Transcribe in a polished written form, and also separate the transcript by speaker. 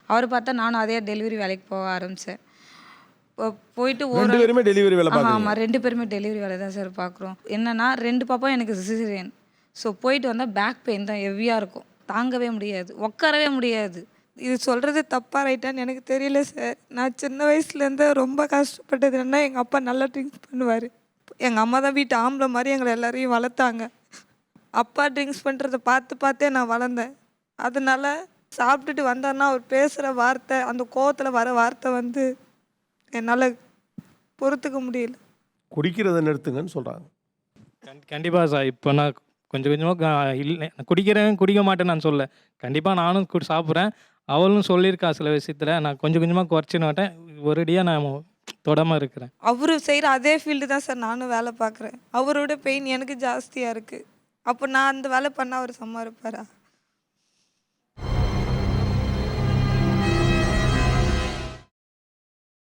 Speaker 1: அவரை பார்த்தா நானும் அதே டெலிவரி வேலைக்கு போக ஆரம்பித்தேன். போயிட்டு
Speaker 2: 2 பேருமே டெலிவரி வேலை பார்க்குறீங்க?
Speaker 1: ஆமாம் 2 பேருமே டெலிவரி வேலை தான் சார் பார்க்குறோம். என்னன்னா 2 பாப்பா எனக்கு சிசேரியன். ஸோ போயிட்டு வந்தால் பேக் பெயின் தான் ஹெவியாக இருக்கும். தாங்கவே முடியாது, உட்காரவே முடியாது. இது சொல்கிறது தப்பாக ரைட்டான்னு எனக்கு தெரியல சார். நான் சின்ன வயசுலேருந்து ரொம்ப கஷ்டப்பட்டது என்னன்னா, எங்கள் அப்பா நல்லா ட்ரிங்க்ஸ் பண்ணுவார். எங்கள் அம்மா தான் வீட்டு ஆம்பளை மாதிரி எங்களை எல்லாரையும் வளர்த்தாங்க. அப்பா ட்ரிங்க்ஸ் பண்ணுறத பார்த்தே நான் வளர்ந்தேன். அதனால சாப்பிட்டுட்டு வந்தாருன்னா அவர் பேசுகிற வார்த்தை, அந்த கோவத்தில் வர வார்த்தை வந்து என்னால் பொறுத்துக்க முடியல.
Speaker 2: குடிக்கிறத நிறுத்துங்கன்னு சொல்கிறாங்க.
Speaker 3: கண்டிப்பாக சார். இப்போ நான் கொஞ்சம் கொஞ்சமாக இல்லை குடிக்க மாட்டேன்னு நான் சொல்ல. கண்டிப்பாக நானும் சாப்பிட்றேன். அவளும் சொல்லியிருக்கா சில விஷயத்தில். நான் கொஞ்சம் கொஞ்சமாக குறைச்சின்னு மாட்டேன். ஒரேடியாக நான் தொடாமல் இருக்கிறேன்.
Speaker 1: அவரு செய்கிற அதே ஃபீல்டு தான் சார் நானும் வேலை பார்க்குறேன். அவரோட பெயின் எனக்கு ஜாஸ்தியாக இருக்குது. அப்போ நான் அந்த வேலை பண்ணால் அவர் சும்மா இருப்பாரா?